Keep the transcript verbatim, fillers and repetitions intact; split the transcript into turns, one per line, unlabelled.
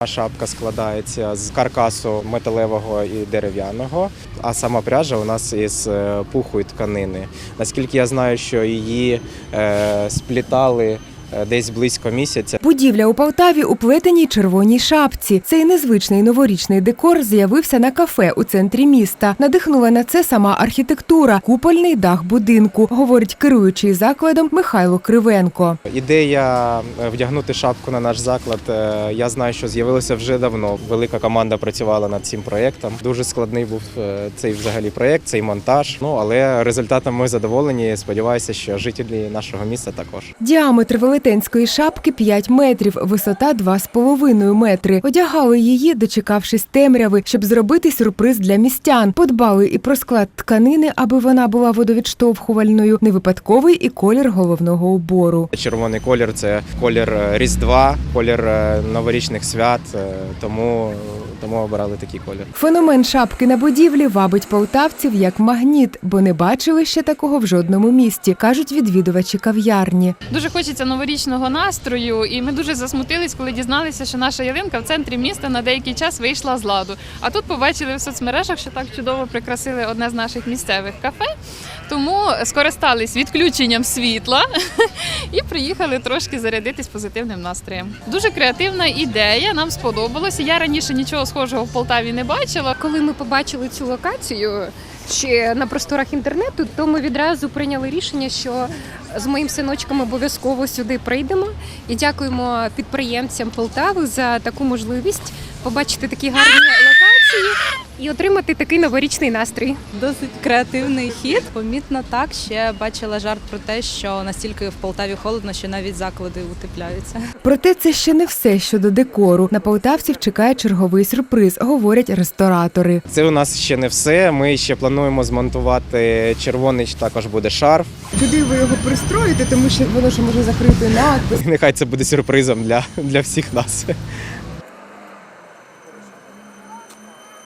Шапка складається з каркасу металевого і дерев'яного, а сама пряжа у нас із пуху і тканини. Наскільки я знаю, що її е, сплітали десь близько місяця.
Будівля у Полтаві у плетеній червоній шапці. Цей незвичний новорічний декор з'явився на кафе у центрі міста. Надихнула на це сама архітектура, купольний дах будинку, говорить керуючий закладом Михайло Кривенко.
Ідея вдягнути шапку на наш заклад, я знаю, що з'явилася вже давно. Велика команда працювала над цим проєктом. Дуже складний був цей взагалі проєкт, цей монтаж. Ну, але результатом ми задоволені. Сподіваюся, що жителі нашого міста також.
Діаметр велетенської шапки п'ять метрів, висота два з половиною метри. Одягали її, дочекавшись темряви, щоб зробити сюрприз для містян. Подбали і про склад тканини, аби вона була водовідштовхувальною, не випадковий і колір головного убору.
Червоний колір – це колір Різдва, колір новорічних свят, тому, тому обирали такий колір.
Феномен шапки на будівлі вабить полтавців як магніт, бо не бачили ще такого в жодному місті, кажуть відвідувачі кав'ярні.
Дуже хочеться новорічного настрою, і ми дуже засмутились, коли дізналися, що наша ялинка в центрі міста на деякий час вийшла з ладу. А тут побачили в соцмережах, що так чудово прикрасили одне з наших місцевих кафе, тому скористались відключенням світла і приїхали трошки зарядитись позитивним настроєм. Дуже креативна ідея, нам сподобалося. Я раніше нічого схожого в Полтаві не бачила.
Коли ми побачили цю локацію ще на просторах інтернету, то ми відразу прийняли рішення, що з моїм синочком обов'язково сюди прийдемо. І дякуємо підприємцям Полтави за таку можливість побачити такі гарні локації і отримати такий новорічний настрій.
Досить креативний хід. Помітно так, ще бачила жарт про те, що настільки в Полтаві холодно, що навіть заклади утепляються.
Проте це ще не все щодо декору. На полтавців чекає черговий сюрприз, говорять ресторатори.
Це у нас ще не все. Ми ще плануємо змонтувати червоний, також буде шарф.
Куди ви його пристроїте, тому що воно ж може закрити надпис.
Нехай це буде сюрпризом для, для всіх нас.